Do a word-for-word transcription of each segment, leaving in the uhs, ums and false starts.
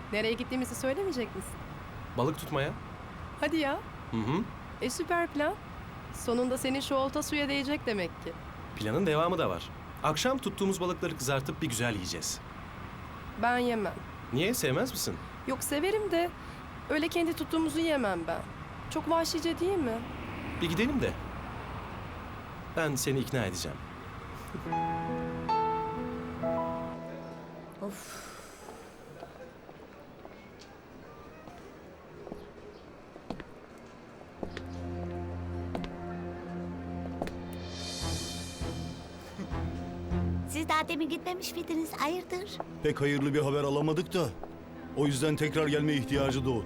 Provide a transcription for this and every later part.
Nereye gittiğimizi söylemeyecek misin? Balık tutmaya. Hadi ya. Hı hı. E süper plan. Sonunda senin şu olta suya değecek demek ki. Planın devamı da var. Akşam tuttuğumuz balıkları kızartıp bir güzel yiyeceğiz. Ben yemem. Niye? Sevmez misin? Yok severim de öyle kendi tuttuğumuzu yemem ben. Çok vahşice değil mi? Bir gidelim de. Ben seni ikna edeceğim. Of. Siz daha demin gitmemiş miydiniz? Hayırdır? Pek hayırlı bir haber alamadık da o yüzden tekrar gelme ihtiyacı doğdu.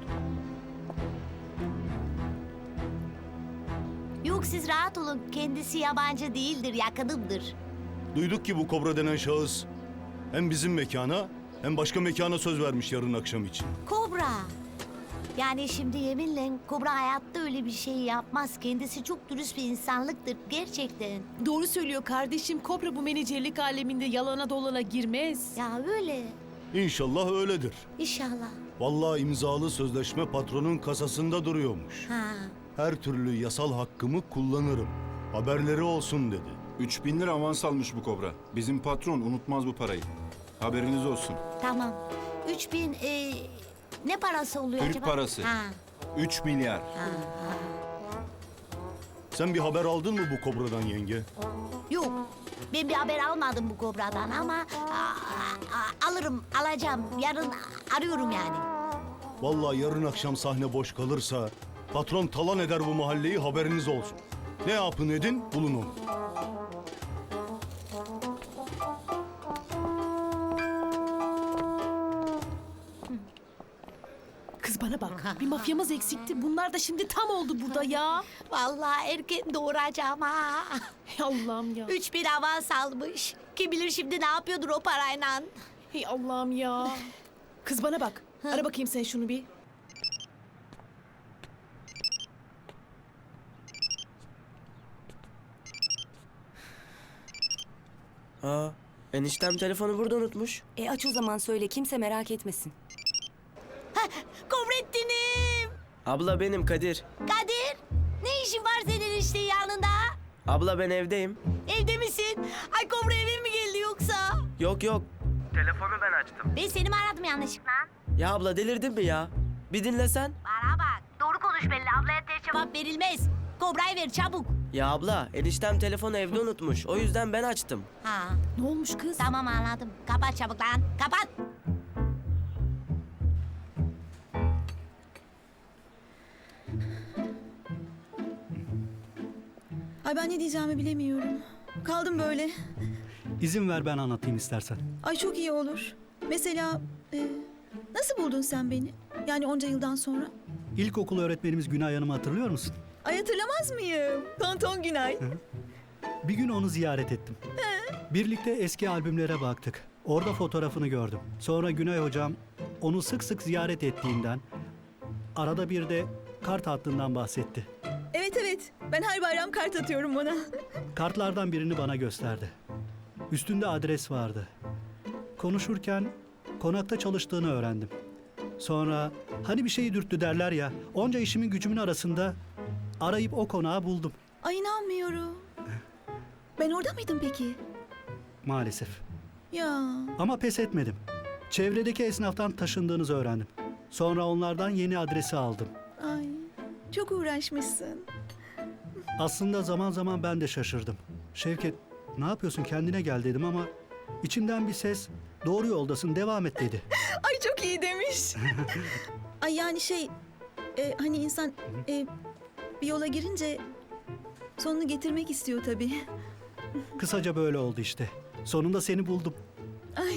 Yok siz rahat olun. Kendisi yabancı değildir, yakınımdır. Duyduk ki bu Kobra denen şahıs hem bizim mekana hem başka mekana söz vermiş yarın akşam için. Kobra. Yani şimdi yeminle Kobra hayatta öyle bir şey yapmaz. Kendisi çok dürüst bir insanlıktır gerçekten. Doğru söylüyor kardeşim. Kobra bu menajerlik aleminde yalana dolana girmez. Ya öyle. İnşallah öyledir. İnşallah. Vallahi imzalı sözleşme patronun kasasında duruyormuş. Ha. Her türlü yasal hakkımı kullanırım. Haberleri olsun dedi. Üç bin lira avans almış bu Kobra. Bizim patron unutmaz bu parayı. Haberiniz olsun. Tamam. Üç bin e, ne parası oluyor Türk acaba? parası. Ha. Üç milyar. Sen bir haber aldın mı bu Kobra'dan yenge? Yok. Ben bir haber almadım bu Kobra'dan ama a, a, alırım, alacağım. Yarın arıyorum yani. Vallahi yarın akşam sahne boş kalırsa patron talan eder bu mahalleyi, haberiniz olsun. Ne yapın edin bulun onu. Kız bana bak. Bir mafyamız eksikti. Bunlar da şimdi tam oldu burada ya. Vallahi erken doğuracağım ha. Hey Allah'ım ya. Üç bin avans almış. Kim bilir şimdi ne yapıyordur o parayla. Hey Allah'ım ya. Kız bana bak. Ara bakayım sen şunu bir. Aa, eniştem telefonu burada unutmuş. E aç o zaman söyle kimse merak etmesin. Kobrettin'im. Abla benim Kadir. Kadir. Ne işin var senin işte yanında? Abla ben evdeyim. Evde misin? Ay Kobra eve mi geldi yoksa? Yok yok. Telefonu ben açtım. Ben seni mi aradım yanlışlıkla? Ya abla delirdin mi ya? Bir dinlesen. Bana bak. Doğru konuş benimle. Ablaya ters cevap verilmez. Kobra'yı ver çabuk. Ya abla eniştem telefonu evde unutmuş. O yüzden ben açtım. Ha. Ne olmuş kız? Tamam anladım. Kapat çabuk lan. Kapat. Ay ben ne diyeceğimi bilemiyorum. Kaldım böyle. İzin ver ben anlatayım istersen. Ay çok iyi olur. Mesela e, nasıl buldun sen beni? Yani onca yıldan sonra. İlkokul öğretmenimiz Günay Hanım'ı hatırlıyor musun? Ay hatırlamaz mıyım? Tonton Günay. Bir gün onu ziyaret ettim. Birlikte eski albümlere baktık. Orada fotoğrafını gördüm. Sonra Günay hocam onu sık sık ziyaret ettiğinden, arada bir de kart hattından bahsetti. Evet evet. Ben her bayram kart atıyorum ona. Kartlardan birini bana gösterdi. Üstünde adres vardı. Konuşurken konakta çalıştığını öğrendim. Sonra hani bir şeyi dürttü derler ya, onca işimin gücümün arasında arayıp o konağı buldum. Ay inanmıyorum. Ben orada mıydım peki? Maalesef. Ya. Ama pes etmedim. Çevredeki esnaftan taşındığınızı öğrendim. Sonra onlardan yeni adresi aldım. Ay çok uğraşmışsın. Aslında zaman zaman ben de şaşırdım. Şevket, ne yapıyorsun kendine gel dedim ama içimden bir ses doğru yoldasın devam et dedi. Ay çok iyi demiş. Ay yani şey e, hani insan e, bir yola girince sonunu getirmek istiyor tabii. Kısaca böyle oldu işte. Sonunda seni buldum. Ay.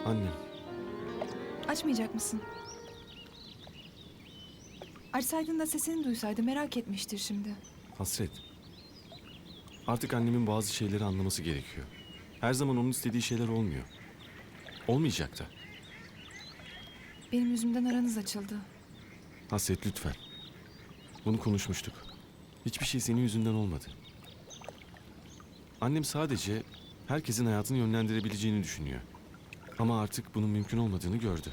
Annem. Açmayacak mısın? Açsaydın da sesini duysaydı merak etmiştir şimdi. Hasret. Artık annemin bazı şeyleri anlaması gerekiyor. Her zaman onun istediği şeyler olmuyor. Olmayacak da. Benim yüzümden aranız açıldı. Hasret lütfen. Bunu konuşmuştuk. Hiçbir şey senin yüzünden olmadı. Annem sadece herkesin hayatını yönlendirebileceğini düşünüyor. Ama artık bunun mümkün olmadığını gördü.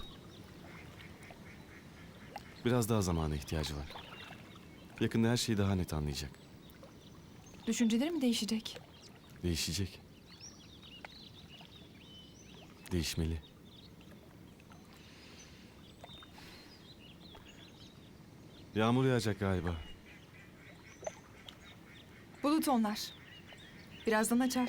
Biraz daha zamana ihtiyacı var. Yakında her şeyi daha net anlayacak. Düşünceleri mi değişecek? Değişecek. Değişmeli. Yağmur yağacak galiba. Bulut onlar. Birazdan açar.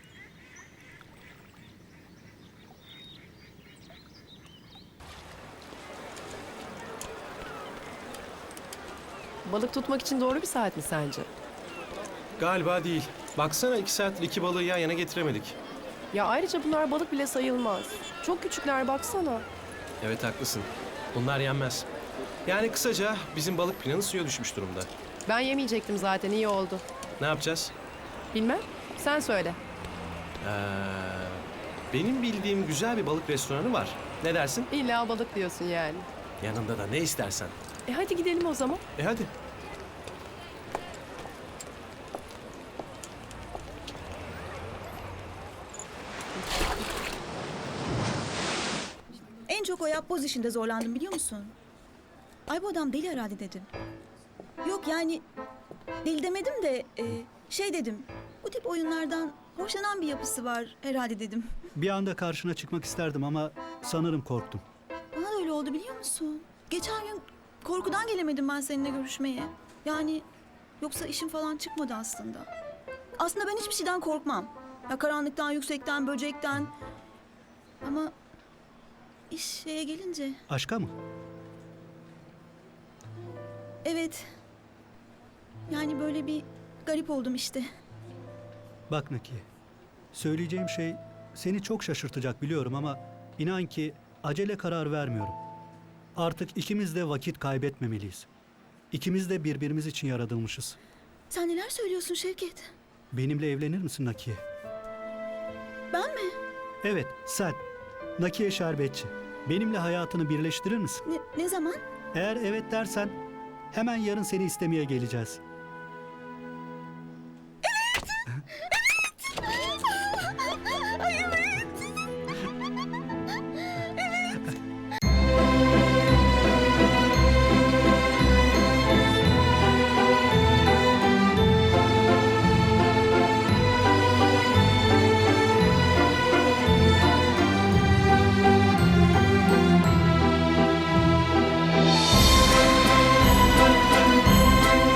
Balık tutmak için doğru bir saat mi sence? Galiba değil. Baksana iki saattir iki balığı yan yana getiremedik. Ya ayrıca bunlar balık bile sayılmaz. Çok küçükler baksana. Evet haklısın. Bunlar yenmez. Yani kısaca bizim balık planı suya düşmüş durumda. Ben yemeyecektim zaten, iyi oldu. Ne yapacağız? Bilmem, sen söyle. Ee, benim bildiğim güzel bir balık restoranı var. Ne dersin? İlla balık diyorsun yani. Yanında da ne istersen. E hadi gidelim o zaman. E hadi. En çok o yapboz işinde zorlandım biliyor musun? Ay bu adam deli herhalde dedim. Yok yani deli demedim de e, şey dedim. Bu tip oyunlardan hoşlanan bir yapısı var herhalde dedim. Bir anda karşına çıkmak isterdim ama sanırım korktum. Bana da öyle oldu biliyor musun? Geçen gün korkudan gelemedim ben seninle görüşmeye. Yani yoksa işim falan çıkmadı aslında. Aslında ben hiçbir şeyden korkmam. Ya karanlıktan, yüksekten, böcekten. Ama iş şeye gelince... Aşka mı? Evet. Yani böyle bir garip oldum işte. Bak Nakiye, söyleyeceğim şey seni çok şaşırtacak biliyorum ama inan ki acele karar vermiyorum. Artık ikimiz de vakit kaybetmemeliyiz. İkimiz de birbirimiz için yaratılmışız. Sen neler söylüyorsun Şevket? Benimle evlenir misin Nakiye? Ben mi? Evet, sen. Nakiye Şerbetçi. Benimle hayatını birleştirir misin? Ne, ne zaman? Eğer evet dersen hemen yarın seni istemeye geleceğiz. Evet!